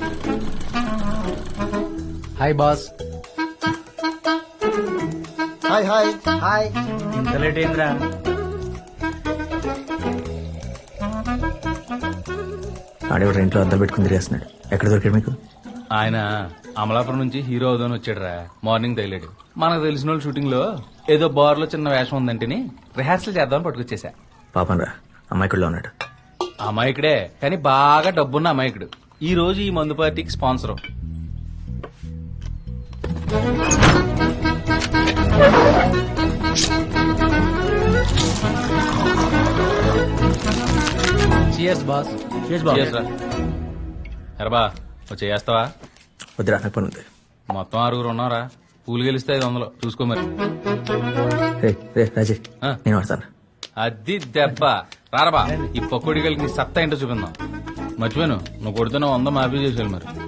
Hi boss. Hi hi hi. ఇంత late అయిందిరా? ఆడేవాడు ఇంట్లో అద్దం పెట్టుకుని తిరిగేస్తున్నాడు. ఎక్కడ దొరికాడు మీకు? ఆయన అమలాపురం నుంచి హీరో అవుదాని వచ్చాడురా. మార్నింగ్ తగిలాడు. మనకు తెలిసిన వాళ్ళు షూటింగ్ లో ఏదో బార్ లో చిన్న వేషం ఉందంటేని రిహార్సల్ చేద్దామని పట్టుకొచ్చేసా. పాపం రా, అమ్మాయికుడిలో ఉన్నాడు. అమాయకుడే కానీ బాగా డబ్బున్న అమాయకుడు. ఈ రోజు ఈ మందు పార్టీకి స్పాన్సర్. Cheers boss. ఎరబా చేస్తావా? వద్దురా, నాకు పని ఉంది. మొత్తం 6 ఉన్నారా? పూలు గెలిస్తే 500 చూసుకో మరి. రే రే రాజీ, ఆ. నేను వాడతాను. అది దెబ్బ. రారబా, ఈ పకోడి కలిగి నీ సత్తా ఏంటో చూపిందాం. మర్చిపోయాను, నువ్వు కొడుతున్న 100 మాఫీ చేసేయాలి మరి.